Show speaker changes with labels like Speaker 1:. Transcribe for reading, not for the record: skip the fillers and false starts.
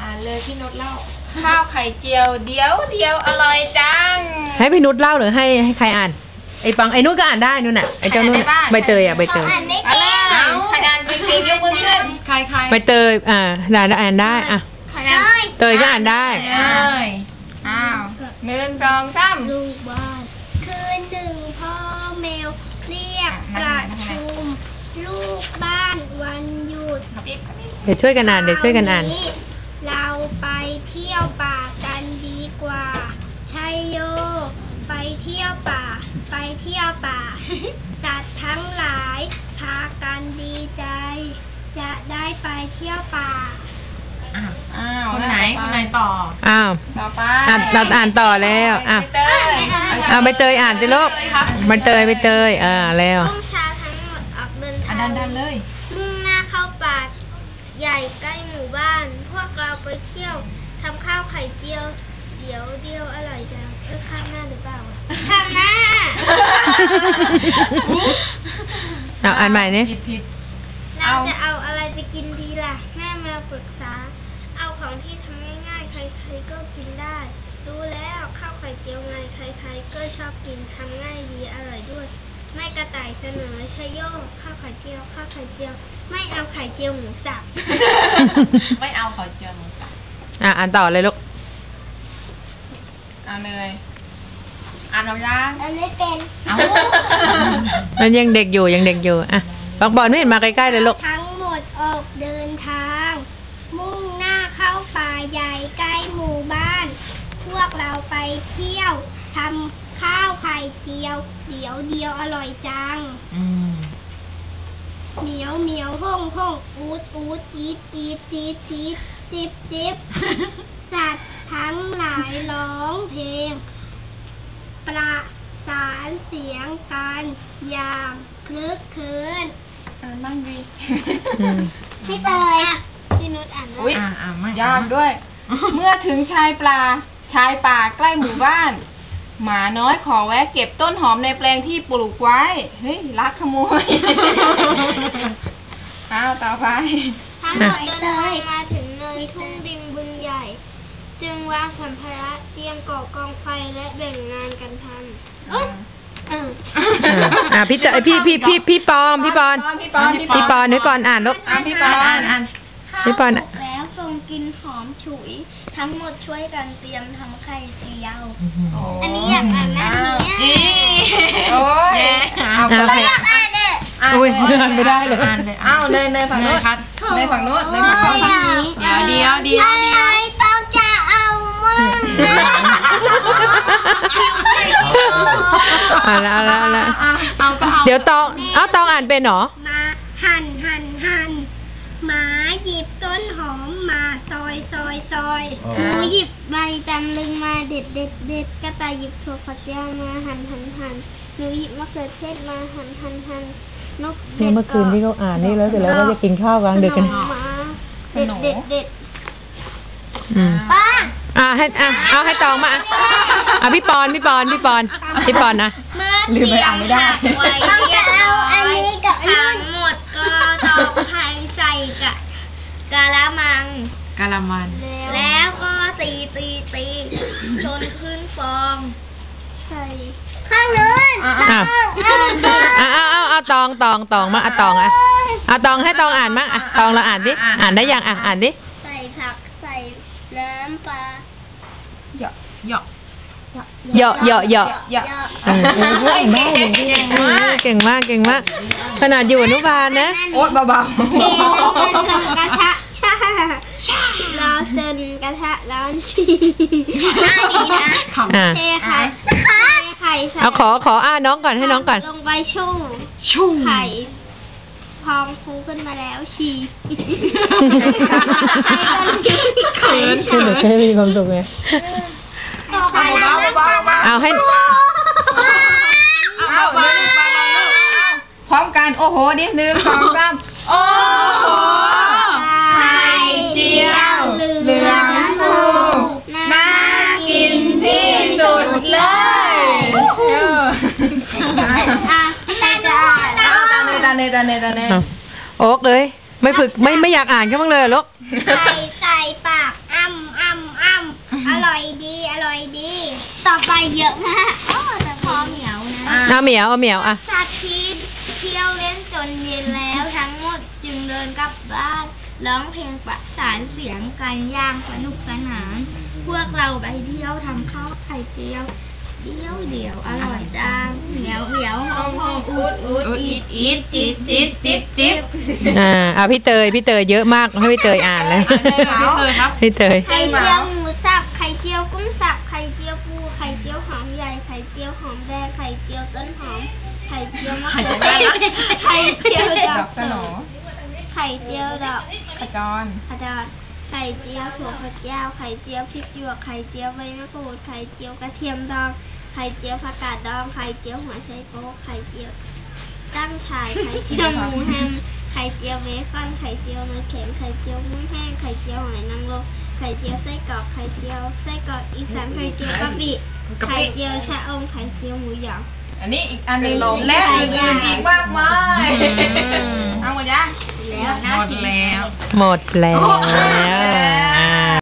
Speaker 1: านเลยพี่นุชเล่าข้าวไข่เจียวเดียวอร่อยจัง
Speaker 2: ให้พี่นุชเล่าหรือให้ใครอ่านไอ้ปังไอ้นุ่นก็อ่านได้นู่นน่ะไอ้เจ้านุ่นใบเตยใบเตย
Speaker 1: ใครอ่านจริงๆยกมือขึ้นใคร
Speaker 2: ใบเตยอ่านได้เตยก็อ่านได้
Speaker 1: อ้าว1 2 3
Speaker 3: ลูกบ้านคืนหนึ่งพ่อแมวเรียกประชุมลูกบ้านวันหยุด
Speaker 2: เดี๋ยวช่วยกันอ่าน
Speaker 3: เราไปเที่ยวป่ากันดีกว่าชัยโยไปเที่ยวป่าสัตว์ทั้งหลายพากันดีใจจะได้ไปเที่ยวป่า
Speaker 1: คนไหนต่อต่อไป
Speaker 2: เราอ่านต่อแล้วใบเตยอ่านสิลูกใบเตยแล้ว
Speaker 3: รุ่งเช้าทั้งหมดออกเดินทาง
Speaker 1: ดันเลย
Speaker 3: มุ่งหน้าเข้าป่าใหญ่ใกล้หมู่บ้านพวกเราไปเที่ยวทำข้าวไข่เจียวเดียวอร่อยจังข้างหน้าหรือเปล่าข้างหน้า
Speaker 2: อ่านใหม่นี่
Speaker 3: เราจะเอาอะไรไปกินดีล่ะแม่มาปรึกษาเอาของที่ทำง่ายๆใครๆก็กินได้รู้แล้วข้าวไข่เจียวไงใครๆก็ชอบกินทำง่ายดีอร่อยด้วยแม่กระต่ายเสนอชัยโยข้าวไข่เจียวไม่เอาไข่เจียวหมูสับ
Speaker 1: ไม่เอาไข่เจียวหมูสับ
Speaker 2: อ่านต่อเลยลูก
Speaker 1: เลยอ่านเอายัง
Speaker 3: ไม่เป็น
Speaker 2: มันยังเด็กอยู่อ่ะบอลไม่เห็นมาใกล้ๆเลยลูก
Speaker 3: ทั้งหมดออกเดินทางมุ่งหน้าเข้าป่าใหญ่ใกล้หมู่บ้านพวกเราไปเที่ยวทำข้าวไข่เจียวเดียวอร่อยจังเหมียวห้องอูดอีดจิบสัตว์ทั้งหลายร้องเพลงประสานเสียงกันอย่างคลึกคลื้น
Speaker 1: นั่งดี
Speaker 3: พี่เตยพี่นุชอ่าน
Speaker 1: ยากด้วย เมื่อถึงชายป่าใกล้หมู่บ้านหมาน้อยขอแวะเก็บต้นหอมในแปลงที่ปลูกไว้เฮ้ยลักขโมยต่อไป
Speaker 3: ทั้งหมดเดินทางมาถึงเนินทุ่งดินบึงใหญ่จึงวางสัมภาระเตรียมก่อกองไฟและแบ่งงานกันทำ
Speaker 2: พี่ปอนนึกก่อนอ่านลูก
Speaker 1: พี่ปอน
Speaker 3: แล้วทรงกินหอมฉุยทั้งหมดช่วยกันเตรียมทำไข่เจียวอันนี้อยากอ่านหน้านี้
Speaker 1: โอ้ย
Speaker 3: อยากอ่านเนี่ย
Speaker 2: อ่านไม่ได้เลย
Speaker 1: เลยฝั่งโน้นเลยฝั่งโน้นเดี๋ยว
Speaker 3: ต้องจะเอามั่ง
Speaker 2: เดี๋ยวตองอ่านเป็นหรอ
Speaker 3: มาหั่นหมาหยิบต้นหอมมาซอยหนูหยิบใบตำลึงมาเด็ดกระต่ายหยิบถั่วฝักยาวมาหั่นหนูหยิบมะเขือเทศมาหั่นนก
Speaker 2: เมื่อคืนที่เขาอ่านนี่แล้วเสร็จแล้วก็จะกินข้าวกลางดึกกัน
Speaker 3: เด็ดป้า
Speaker 2: เอาให้ตองมาพี่ปอนนะ
Speaker 1: ลืมไปอ่านไม่ได้
Speaker 3: เอาอันนี้กับทั้งหมดก็ต้องใส่กะละมังแล้วก็ตีจนขึ้นฟองใส่ข้างนู้น
Speaker 2: เอาตองมาตองให้ตองอ่านมั้งตองเราอ่านดิอ่านได้ยังอ่านดิ
Speaker 3: ใส่ผักใส่น้ำปลา
Speaker 1: เหยาะ
Speaker 2: เก่งมากขนาดอยู่อนุบาลนะ
Speaker 1: โอ๊ตเบาๆ
Speaker 3: กระทะร้อนเส้นกระทะร้อนชีเทไข่
Speaker 2: เอาขอน้องก่อนให้น้องก่อน
Speaker 3: ลงไปชุ่มไข่พองฟูขึ้นมาแล้วชี
Speaker 2: เขินคุณจะให้มีความสุขไงเอาให้
Speaker 1: พร้อมกันโอ้โหดิ1 2 3โอ้โห
Speaker 3: ไข่เจียวเหลืองฟูน่ากินที่สุดเลย
Speaker 1: ตาเน
Speaker 2: โอ๊กเลยไม่ฝึกไม่อยากอ่านกันบ้างเลยลูก
Speaker 3: ใส่ปากอ้เยอะมากแต่พอเหนียวนะ
Speaker 2: เอาเหมียวอ่ะ
Speaker 3: สัตว์ที่เที่ยวเล่นจนเย็นแล้วทั้งหมดจึงเดินกลับบ้านร้องเพลงประสานเสียงกันอย่างสนุกสนานพวกเราไปเที่ยวทำข้าวไข่เจียวเดี๋ยวอร่อยจังเหนียวหอมอูดอีดจิ๊บ
Speaker 2: เอาพี่เตยเยอะมากให้พี่เตยอ่านเลยพี่เตย
Speaker 3: ไข่เจียวหมูสับไข่เจียวกุ้งสับไข่เจียวปูไข่เจียวหอมใหญ่ไข่เจียวหอมแดงไข่เจียวต้นหอมไข่เจียวมะเขือเทศไข่เจียวดอกสโหนไข่เจียวดอกขจรไข่เจียวถั่วฝักยาวไข่เจียวพริกหยวกไข่เจียวใบมะกรูดไข่เจียวกระเทียมดองไข่เจียวผักกาดดองไข่เจียวหัวไชโป๊กไข่เจียวตั้งฉ่ายไข่เจียวหมูแฮมไข่เจียวเบคอนไข่เจียวเนยเค็มไข่เจียวกุ้งแห้งไข่เจียวหอยนางรมไข่เจียวไส้กรอกไข่เจียวไส้กรอกอีสานไข่เจียวกะปิไข่เจียวชะอมไข่เจียวหมูหยอง
Speaker 1: อันนี้อีกอันหนึงและอื่นๆอีกมากมายเอาหมดยัง
Speaker 3: แล้ว
Speaker 2: หมดแล้ว